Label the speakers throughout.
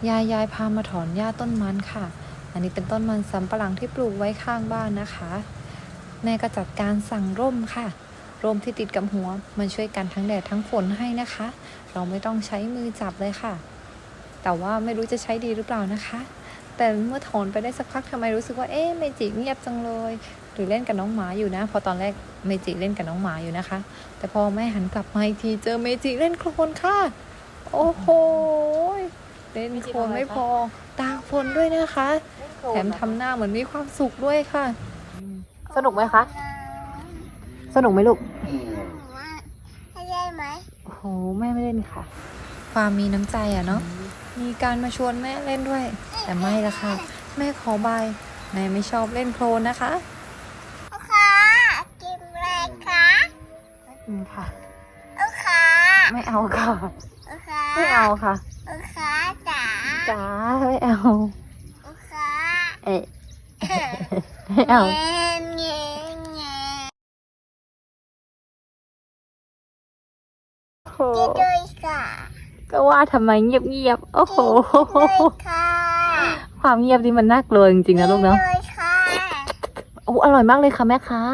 Speaker 1: ยายพามาถอนหญ้าต้นมันค่ะอันนี้เป็นต้นมันสำปะหลังที่ปลูกไว้ข้างบ้านนะคะแม่ก็จัดการสั่งร่มค่ะร่มที่ติดกับหัวมันช่วยกันทั้งแดดทั้งฝนให้นะคะเราไม่ต้องใช้มือจับเลยค่ะแต่ว่าไม่รู้จะใช้ดีหรือเปล่านะคะแต่เมื่อถอนไปได้สักพักทำไมรู้สึกว่าเมจิเงียบจังเลยหรือเล่นกับน้องหมาอยู่นะพอตอนแรกเมจิเล่นกับน้องหมาอยู่นะคะแต่พอแม่หันกลับมาอีกทีเจอเมจิเล่นโคลนค่ะโอ้โหเล่นโคลนไม่พอตากฝนด้วยนะคะแถมทำหน้าเหมือนมีความสุขด้วยค่ะสนุกไหมคะสนุกไหมลูก
Speaker 2: ได้ไหม
Speaker 1: โอ้โหแม่ไม่เล่นค่ะความมีน้ำใจเนาะมีการมาชวนแม่เล่นด้วยแต่ไม่ละค่ะแม่ขอบายแม่ไม่ชอบเล่นโคลนนะคะ
Speaker 2: ค่ะกินอะไรคะ
Speaker 1: ไม่กินค่ะ
Speaker 2: ค่ะ
Speaker 1: ไม่เอาค่ะ
Speaker 2: ค่ะ
Speaker 1: ไม่เอาค่ะ
Speaker 2: ค่ะจ๋า
Speaker 1: จ๋าไม่เอา
Speaker 2: ค่ะ
Speaker 1: เอ๊ะไม่เอา
Speaker 2: เงี้ย
Speaker 1: โห
Speaker 2: กินด้วยค่ะ
Speaker 1: ก็ว่าทำไมเงียบโอ้โห
Speaker 2: ค่ะ
Speaker 1: ความเงียบนี่มันน่ากลัวจริงๆนะลูกเนาะโอ้อร่อยมากเลยค่ะแม่ค้า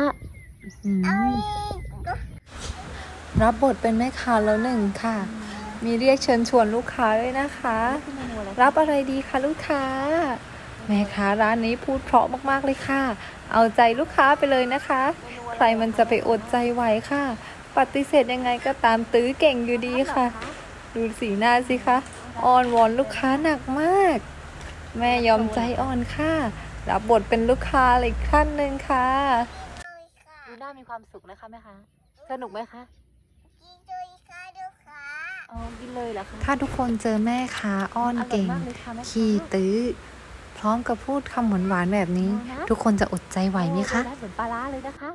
Speaker 1: รับบทเป็นแม่ค้าแล้วหนึ่งค่ะมีเรียกเชิญชวนลูกค้าด้วยนะคะรับอะไรดีคะลูกค้าแม่ค้าร้านนี้พูดเพราะมากๆเลยค่ะเอาใจลูกค้าไปเลยนะคะใครมันจะไปอดใจไหวค่ะปฏิเสธยังไงก็ตามตื้อเก่งอยู่ดีค่ะดูสีหน้าสิคะอ้อนวอนลูกค้าหนักมากแม่ยอมใจอ่อนค่ะรับบทเป็นลูกค้าอีกขั้นหนึ่งค่ะดูหน้ามีความสุขนะคะแม่คะสนุกไหมคะ
Speaker 2: กินด้วยค่ะลูกค้า
Speaker 1: กินเลยเหรอคะถ้าทุกคนเจอแม่ค้าอ้อนเก่งขี้ตื้อพร้อมกับพูดคำหวานๆแบบนี้ทุกคนจะอดใจไหวไหมคะเหมือนปลาร้าเลยนะคะ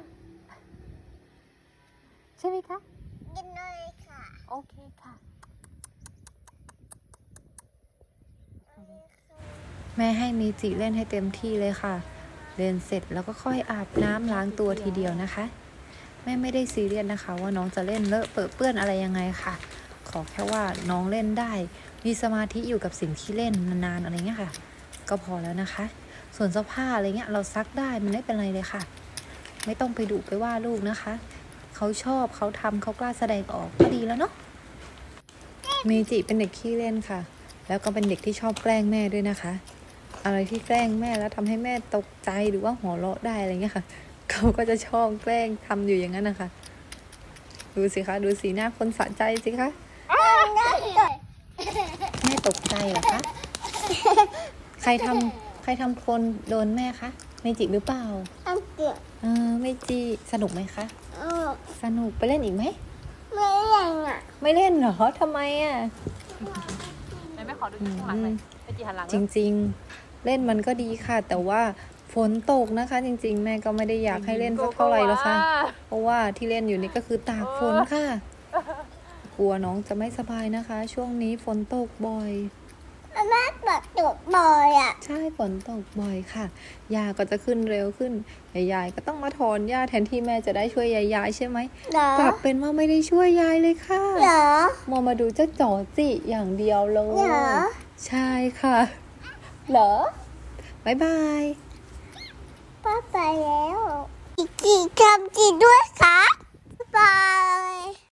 Speaker 1: ใช่ไหมคะ
Speaker 2: กินด้วยค่ะ
Speaker 1: โอเคค่ะแม่ให้เมจิเล่นให้เต็มที่เลยค่ะเล่นเสร็จแล้วก็ค่อยอาบน้ำล้างตัวทีเดียวนะคะแม่ไม่ได้ซีเรียสนะคะว่าน้องจะเล่นเลอะเปื้อนอะไรยังไงค่ะขอแค่ว่าน้องเล่นได้มีสมาธิอยู่กับสิ่งที่เล่นนานๆอะไรเงี้ยค่ะก็พอแล้วนะคะส่วนเสื้อผ้าอะไรเงี้ยเราซักได้มันไม่เป็นไรเลยค่ะไม่ต้องไปดุไปว่าลูกนะคะเขาชอบเขาทำเขากล้าแสดงออกก็ดีแล้วเนาะเมจิเป็นเด็กขี้เล่นค่ะแล้วก็เป็นเด็กที่ชอบแกล้งแม่ด้วยนะคะอะไรที่แกล้งแม่แล้วทำให้แม่ตกใจหรือว่าหัวเราะได้อะไรเงี้ยค่ะเขาก็จะชอบแกล้งทำอยู่อย่างนั้นนะคะดูสิคะดูสีหน้าคนสะใจสิคะแม่ตกใจเหรอคะใครทำคนโดนแม่คะเมจิหรือเปล่าเมจิสนุกไหมคะสนุกไปเล่นอีกไหม
Speaker 2: ไม่เล่นอ่ะ
Speaker 1: ไม่เล่นเหรอทำไมอ่ะ
Speaker 3: ไม่ขอดูข้างหลังเลยเมจิหันหลัง
Speaker 1: จริงๆเล่นมันก็ดีค่ะแต่ว่าฝนตกนะคะจริงๆแม่ก็ไม่ได้อยากให้เล่นสักเท่าไหร่หรอกค่ะเพราะว่าที่เล่นอยู่นี่ก็คือตากฝนค่ะกลัวน้องจะไม่สบายนะคะช่วงนี้ฝนตกบ่อย
Speaker 2: แม่ฝนตกบ่อยอ่ะ
Speaker 1: ใช่ฝนตกบ่อยค่ะหญ้าก็จะขึ้นเร็วขึ้นยายก็ต้องมาถอนหญ้าแทนที่แม่จะได้ช่วยยายใช่ไหมกลับเป็นว่าไม่ได้ช่วยยายเลยค่ะ
Speaker 2: เหรอ
Speaker 1: มาดูเจ้าจ๋อจิอย่างเดียวเลย
Speaker 2: เหรอ
Speaker 1: ใช่ค่ะเหรอบ๊ายบาย
Speaker 2: ป้าไปแล้วจีทำจีด้วยค่ะบาย